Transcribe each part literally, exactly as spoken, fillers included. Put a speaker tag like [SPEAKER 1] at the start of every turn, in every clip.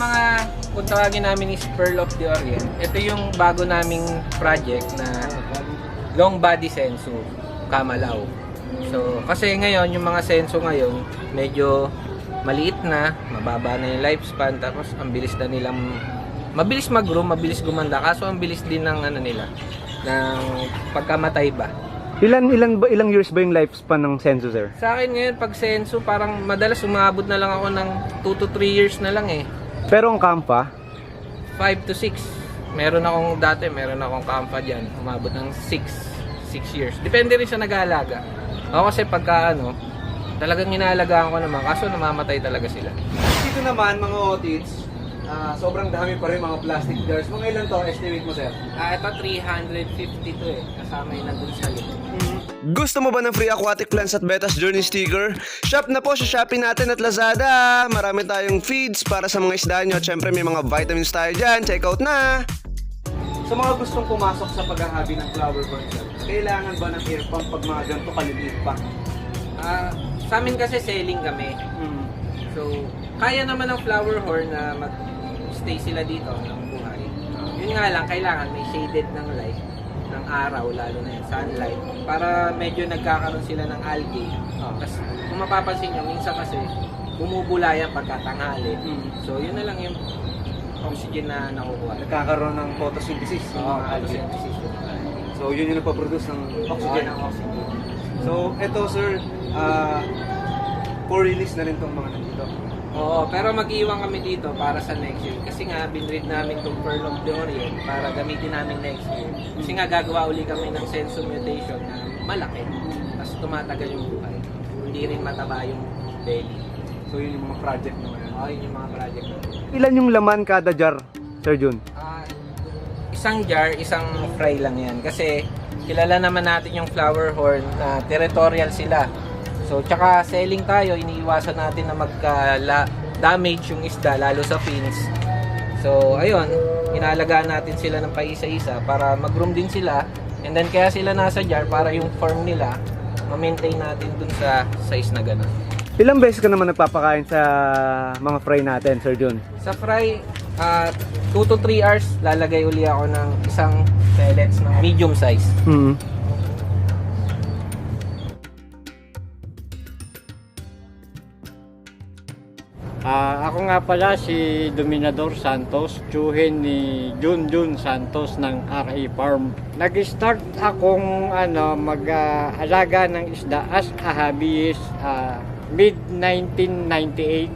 [SPEAKER 1] mga kung tawagin namin is Pearl of the Orient, ito yung bago naming project na long body senso, Kamalaw. So, kasi ngayon, yung mga senso ngayon, medyo maliit na, mababa na yung lifespan, tapos ang bilis na nilang, mabilis mag-grow, mabilis gumanda, kaso ang bilis din ng ano nila, ng pagkamatay ba.
[SPEAKER 2] Ilan ilan ba ilang years ba yung lifespan ng senso, sir?
[SPEAKER 1] Sa akin ngayon, pag senso, parang madalas umabot na lang ako ng two to three years na lang eh.
[SPEAKER 2] Pero ang Kampa,
[SPEAKER 1] five to six. Meron akong dati, meron akong kampa dyan. Umabot ng six years. Depende rin sa nag-aalaga. Ako kasi pagka ano, talagang inaalagaan ko naman, kaso namamatay talaga sila.
[SPEAKER 2] dito naman mga otits, ah, sobrang dami pa rin mga plastic jars. Mga ilan to, estimate mo, sir?
[SPEAKER 1] Ah, ito three hundred fifty to eh. Kasama yung nandun sa likod.
[SPEAKER 3] Gusto mo ba ng free aquatic plants at Betas Journey sticker? Shop na po sa Shopee natin at Lazada. Marami tayong feeds para sa mga isda nyo. At syempre may mga vitamins tayo dyan. Check out na!
[SPEAKER 2] Sa mga gustong pumasok sa paghahabi ng flower horn, sir, kailangan ba ng air pump pag mga ganito kaliliit pa?
[SPEAKER 1] Ah, sa amin kasi selling kami.
[SPEAKER 2] Hmm.
[SPEAKER 1] So, kaya naman ng flower horn na mag-stay sila dito ng buhay. Yun nga lang, kailangan may shaded ng light, ng araw, lalo na yung sunlight, para medyo nagkakaroon sila ng algae.
[SPEAKER 2] Ah.
[SPEAKER 1] Tapos, kung mapapansin nyo, minsan kasi bumubula yan pagkatanghali.
[SPEAKER 2] Hmm.
[SPEAKER 1] So, yun na lang yung oxygen na nakukuha.
[SPEAKER 2] Nagkakaroon ng photosynthesis yung
[SPEAKER 1] Oo,
[SPEAKER 2] mga algae.
[SPEAKER 1] photosynthesis.
[SPEAKER 2] So yun yung nagpaproduce ng oxygen.
[SPEAKER 1] ng oxygen.
[SPEAKER 2] So eto, sir, ah, for release na rin tong mga nandito.
[SPEAKER 1] Oo, pero mag-iwan kami dito para sa next year. Kasi nga, binread namin itong Pearl of the Orient para gamitin namin next year. Kasi nga, gagawa uli kami ng senso mutation na malaki. Tapos tumatagal yung buhay. Hindi rin mataba yung belly.
[SPEAKER 2] So yun yung mga project naman.
[SPEAKER 1] Oo, yun yung mga project namin.
[SPEAKER 2] Ilan yung laman kada jar, Sir Jun?
[SPEAKER 1] Ah, isang jar, isang fry lang yan. Kasi kilala naman natin yung flower horn na territorial sila. So, tsaka selling tayo, iniiwasan natin na magka-damage yung isda, lalo sa fins. So, ayun, inalagaan natin sila ng paisa-isa para mag-groom din sila. And then, kaya sila nasa jar para yung form nila, ma-maintain natin dun sa size na gano'n.
[SPEAKER 2] Ilang beses ka naman nagpapakain sa mga fry natin, Sir Jun?
[SPEAKER 1] Sa fry, uh, two to three hours, lalagay uli ako ng isang pellets na medium size.
[SPEAKER 2] Hmm.
[SPEAKER 4] Ah, ako nga pala si Dominador Santos, tiyuhin ni Jun Jun Santos ng R A Farm. Nag-start akong ano, mag-alaga ng isda as a hobbyist ah, mid nineteen ninety-eight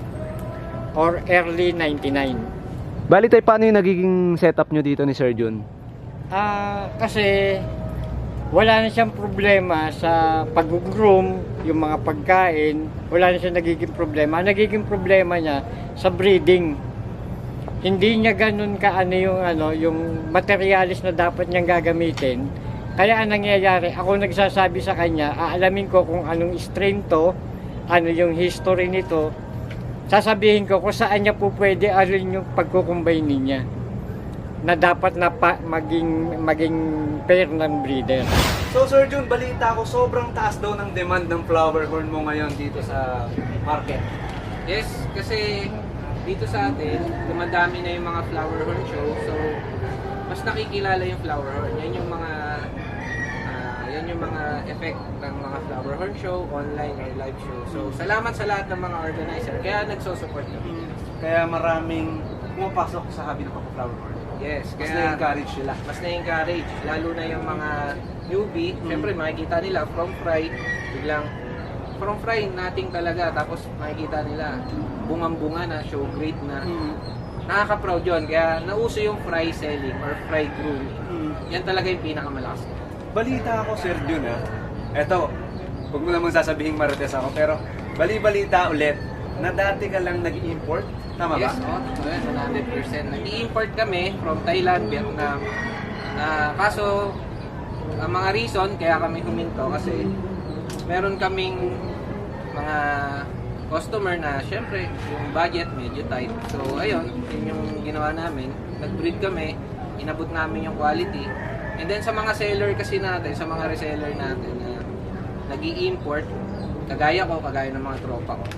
[SPEAKER 4] or early ninety-nine.
[SPEAKER 2] Bali tayo, paano yung nagiging setup nyo dito ni Sir Jun?
[SPEAKER 4] Ah, kasi wala na siyang problema sa pag-groom, yung mga pagkain, wala na siyang nagiging problema. Ang nagiging problema niya sa breeding. Hindi niya ganun ka ano yung ano, yung materialis na dapat niyang gagamitin. Kaya ang nangyayari, ako nagsasabi sa kanya, aalamin ko kung anong strain to, ano yung history nito. Sasabihin ko kung saan niya po pwede alin yung pagkukumbay niya na dapat na pa, maging maging pair ng breeder.
[SPEAKER 2] So Sir Jun, balita ko sobrang taas daw ng demand ng flower horn mo ngayon dito sa market.
[SPEAKER 1] Yes, kasi dito sa atin, dumadami na yung mga flower horn show. So, mas nakikilala yung flower horn. Yan yung mga ah, yan yung mga effect ng mga flower horn show, online or live show. So, salamat sa lahat ng mga organizer. Kaya nagso-support kami.
[SPEAKER 2] Kaya maraming pumapasok sa hobby ng pag-flower horn.
[SPEAKER 1] Yes,
[SPEAKER 2] Mas
[SPEAKER 1] kaya
[SPEAKER 2] na-encourage sila.
[SPEAKER 1] mas na-encourage. Lalo na yung mga newbie. Siyempre, makikita nila from fry, biglang from fry, nating talaga. Tapos makikita nila, bungang-bunga na, show grade na.
[SPEAKER 2] Mm.
[SPEAKER 1] Nakaka-proud yun. Kaya nauso yung fry selling or fry grooming.
[SPEAKER 2] Mm.
[SPEAKER 1] Yan talaga yung pinakamalakas.
[SPEAKER 2] Balita ako, Sir Jun, ha? Eto, huwag mo namang sasabihin marites ako, pero bali-balita ulit na dati ka lang nag-import. Tama ba?
[SPEAKER 1] Yes, oh, one hundred percent. Nag-i-import kami from Thailand, Vietnam. Na kaso, ang mga reason kaya kami huminto kasi meron kaming mga customer na syempre yung budget medyo tight. So ayun, yun yung ginawa namin. Nag-breed kami, inabot namin yung quality. And then sa mga seller kasi natin, sa mga reseller natin na nag-i-import, kagaya ko, kagaya ng mga tropa ko.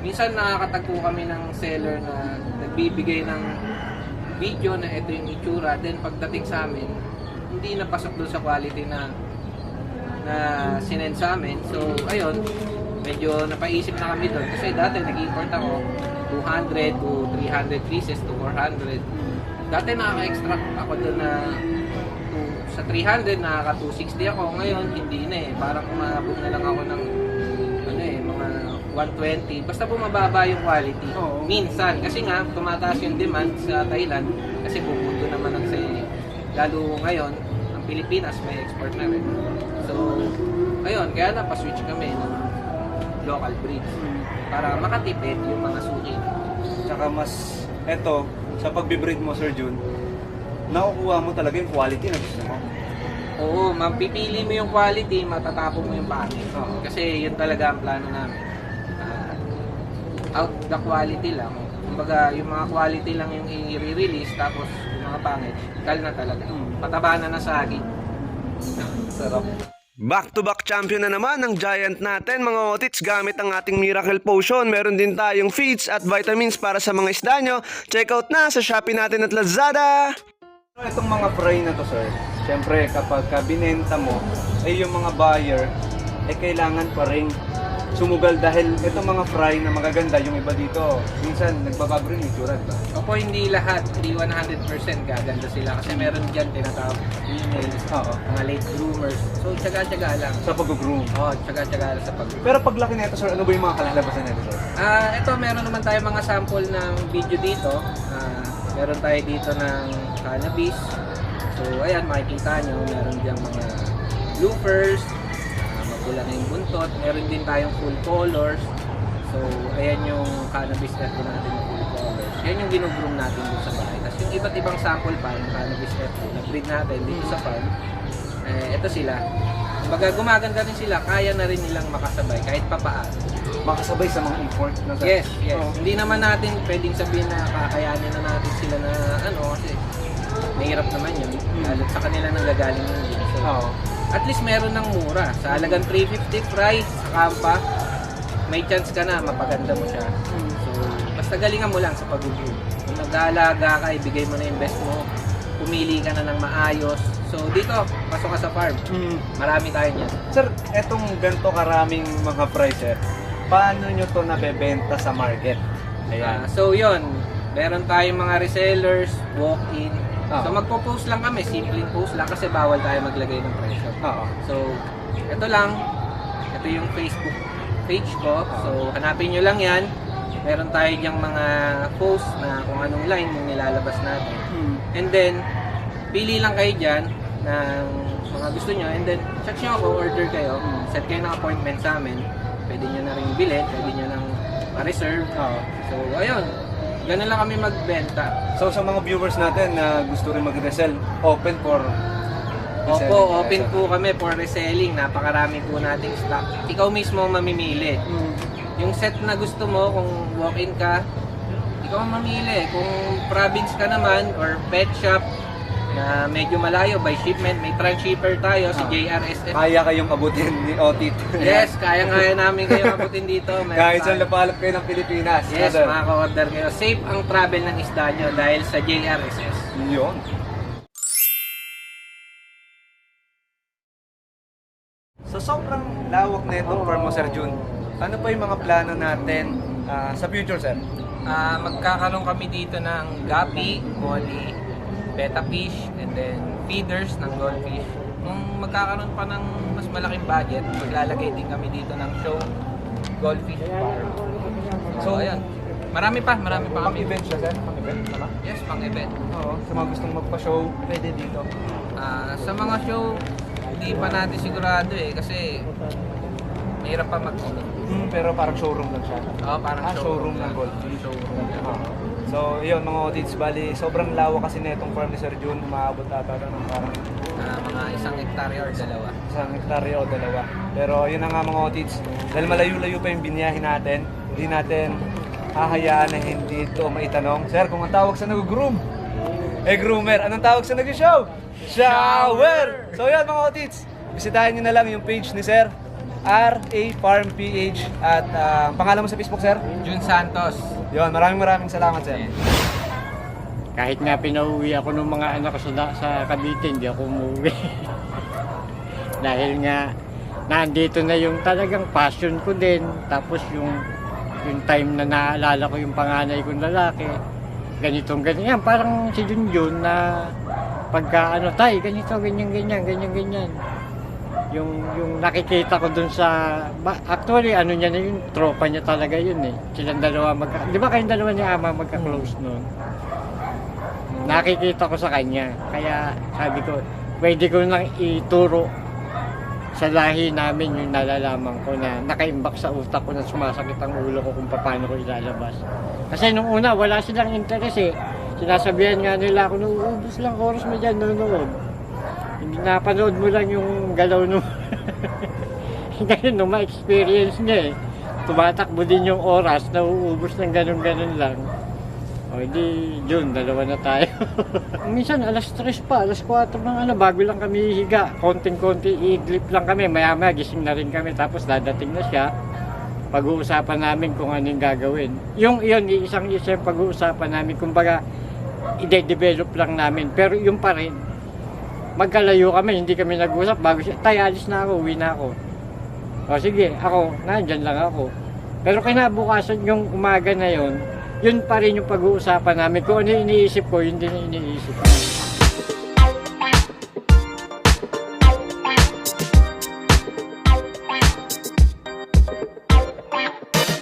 [SPEAKER 1] minsan nakakatagpo kami ng seller na nagbibigay ng video na ito yung itsura, then pagdating sa amin, hindi napasok doon sa quality na na sinend sa amin. So, ayun, medyo napaisip na kami doon. Kasi dati nag-import ako two hundred to three hundred pieces to four hundred. Dati nakaka-extract ako doon na to, sa three hundred, nakaka two sixty ako. Ngayon, hindi na eh. Parang umabot na lang ako ng ano eh, mga one twenty. Basta bumababa yung quality.
[SPEAKER 2] Oo.
[SPEAKER 1] Minsan. Kasi nga, tumataas yung demand sa Thailand. Kasi pupunto naman ang sale. Lalo ngayon, ang Pilipinas may export na rin. So, ayun, kaya napaswitch kami ng local breeds para makatipid yung mga suki.
[SPEAKER 2] Tsaka mas, eto, sa pagbe-breed mo, Sir Jun, nakukuha mo talaga yung quality na gusto mo.
[SPEAKER 1] Oo, mapipili mo yung quality, matatapon mo yung pangit.
[SPEAKER 2] Oo.
[SPEAKER 1] Kasi yun talaga ang plano namin. Ah, out the quality lang. Kumbaga, yung mga quality lang yung i-release, tapos yung mga pangit, kal na talaga. Pataba na na saging. Sarap.
[SPEAKER 3] Back-to-back champion na naman ang Giant natin mga otits gamit ang ating Miracle Potion. Meron din tayong feeds at vitamins para sa mga isda nyo. Check out na sa Shopee natin at Lazada!
[SPEAKER 2] Itong mga fry na to, sir, syempre kapag ka binenta mo, ay yung mga buyer, ay kailangan pa rin sumugal dahil itong mga fry na magaganda, yung iba dito, minsan nagbabago rin yung itsura, diba?
[SPEAKER 1] Opo, hindi lahat, hindi one hundred percent gaganda sila kasi meron dyan tinatawag females,
[SPEAKER 2] Oo.
[SPEAKER 1] mga late groomers. So, tsaga-tsaga lang.
[SPEAKER 2] Sa pag-groom.
[SPEAKER 1] Oo, tsaga-tsaga lang sa pag
[SPEAKER 2] Pero paglaki nito, sir, ano ba yung mga kalalabasan nito, sir?
[SPEAKER 1] Ah, ito meron naman tayo mga sample ng video dito. Ah, meron tayo dito ng cannabis. So, ayan, makikita nyo, meron diyang mga bloopers, ah, mapula na yung buntot. Meron din tayong full colors. So, ayan yung cannabis F two natin na full colors. Yan yung ginugroom natin dito sa bahay. Tapos yung iba't ibang sample pa, yung cannabis F two na breed natin dito sa farm, eh, ito sila. Kumbaga, gumaganda rin sila, kaya na rin nilang makasabay kahit papaano.
[SPEAKER 2] Makasabay sa mga import na, sir?
[SPEAKER 1] Yes, yes.
[SPEAKER 2] Oo.
[SPEAKER 1] Hindi naman natin pwedeng sabihin na kakayanin na natin sila na ano kasi mahirap naman yun. Lalo sa kanila nang gagaling yun. So,
[SPEAKER 2] Oo.
[SPEAKER 1] at least meron ng mura. Sa halagang three fifty price sa Kampa, may chance ka na mapaganda mo siya. So, basta galingan mo lang sa pag-groom. Kung nag-aalaga ka, ibigay mo na yung best mo. Pumili ka na ng maayos. So, dito, pasok ka sa farm.
[SPEAKER 2] Mm.
[SPEAKER 1] Marami tayo niyan.
[SPEAKER 2] Sir, etong ganito karaming mga fry, sir, paano nyo to nabebenta sa market?
[SPEAKER 1] Ah,
[SPEAKER 2] Ayan.
[SPEAKER 1] so yun, meron tayong mga resellers, walk-in.
[SPEAKER 2] Oo.
[SPEAKER 1] So magpo-post lang kami, simpleng post lang kasi bawal tayo maglagay ng presyo.
[SPEAKER 2] Oo.
[SPEAKER 1] So, ito lang, ito yung Facebook page ko. So, hanapin nyo lang yan. Meron tayo diyang mga post na kung anong line yung nilalabas natin.
[SPEAKER 2] Mm.
[SPEAKER 1] And then, pili lang kayo dyan ng mga gusto nyo. And then, chat nyo ako, order kayo. Set kayo ng appointment sa amin. Pwede nyo na rin bilhin, pwede nyo nang ma-reserve.
[SPEAKER 2] Oo.
[SPEAKER 1] So, ayun. Ganun lang kami magbenta.
[SPEAKER 2] So sa mga viewers natin na gusto rin mag-resell, open for reselling.
[SPEAKER 1] Opo, open po kami for reselling. Napakarami po nating stock. Ikaw mismo mamimili.
[SPEAKER 2] Mm.
[SPEAKER 1] Yung set na gusto mo, kung walk-in ka, ikaw ang mamili. Kung province ka naman or pet shop na medyo malayo by shipment, may transshipper tayo, si
[SPEAKER 2] Ah.
[SPEAKER 1] J R S F.
[SPEAKER 2] Kaya kayong abutin ni Otit.
[SPEAKER 1] Yes, kaya-kaya namin kayo abutin dito. Meron
[SPEAKER 2] Kahit saan
[SPEAKER 1] tayo.
[SPEAKER 2] lapalap kayo ng Pilipinas.
[SPEAKER 1] Yes,
[SPEAKER 2] Brother.
[SPEAKER 1] makaka-order kayo. Safe ang travel ng isda nyo dahil sa J R S S.
[SPEAKER 2] Yun. So sobrang lawak na itong farm mo, Sir Jun. Ano pa yung mga plano natin ah, sa future, sir?
[SPEAKER 1] Ah, magkakaroon kami dito ng gapi, molly, betta fish, and then feeders ng goldfish. Kung magkakaroon pa ng mas malaking budget, maglalagay din kami dito ng show goldfish farm. So, ayan. Marami pa, marami pa kami.
[SPEAKER 2] Pang-event siya, sir? Pang-event? Tama?
[SPEAKER 1] Yes, pang event.
[SPEAKER 2] Oo. Sa mga gustong magpa-show, pwede dito.
[SPEAKER 1] Ah, sa mga show, hindi pa natin sigurado eh, kasi mahirap pa mag-commit.
[SPEAKER 2] Hmm, pero parang showroom lang siya.
[SPEAKER 1] Oo, parang
[SPEAKER 2] Ah, showroom ng goldfish.
[SPEAKER 1] Showroom lang.
[SPEAKER 2] Ah. So, yun mga otits, bali, sobrang lawak kasi na itong farm ni Sir Jun, umaabot ata ng parang
[SPEAKER 1] Ah, mga isang hektarya or dalawa.
[SPEAKER 2] isang hektarya o dalawa. Pero yun na nga mga otits, dahil malayo-layo pa yung biniyahin natin, hindi natin hahayaan na hindi ito maitanong. Sir, kung ang tawag sa nag-groom, eh groomer, anong tawag sa nag-show? Shower! So yan mga otits, bisitahin nyo na lang yung page ni Sir. R A Farm P H. At ah, pangalan mo sa Facebook, sir?
[SPEAKER 1] Jun Santos.
[SPEAKER 2] Yun, maraming maraming salamat, sir.
[SPEAKER 4] Kahit nga pinauwi ako ng mga anak ko sa, sa Cavite, hindi ako umuwi. Dahil nga, nandito na yung talagang passion ko din. Tapos yung, yung time na naalala ko yung panganay kong lalaki, ganitong ganyan. Parang si Junjun na pagka ano, tay, ganito, ganyan, ganyan, ganyan, ganyan. Yung, yung nakikita ko dun sa, ba- actually ano niya na yung tropa niya talaga yun eh. Silang dalawa magka, di ba kayong dalawa ni Ama magka-close nun? Nakikita ko sa kanya. Kaya sabi ko, pwede ko nang ituro sa lahi namin yung nalalaman ko na nakaimbak sa utak ko na sumasakit ang ulo ko kung paano ko ilalabas. Kasi nung una, wala silang interes eh. Sinasabihan nga nila ako, nauubos lang oras mo dyan, nanonood. Hindi napanood mo lang yung galaw nung... Ngayon, nung ma-experience niya eh. Tumatakbo din yung oras, nauubos ng ganun-ganun lang. O di, Jun, dalawa na tayo. Minsan, alas tres pa, alas kwatro ng ano, bago lang kami higa. Konting-konti, iidlip lang kami. Maya-maya, gising na rin kami. Tapos dadating na siya. Pag-uusapan namin kung ano yung gagawin. Yung yun, isang isa yung pag-uusapan namin. Kumbaga, ide-develop lang namin. Pero yung pa rin, magkalayo kami, hindi kami nag-usap. Bago siya, tay, alis na ako, uwi na ako. O sige, ako, nandyan lang ako. Pero kinabukasan yung umaga na yun, yun pa rin yung pag-uusapan namin. Kung ano yung iniisip ko, yun din yung iniisip ko.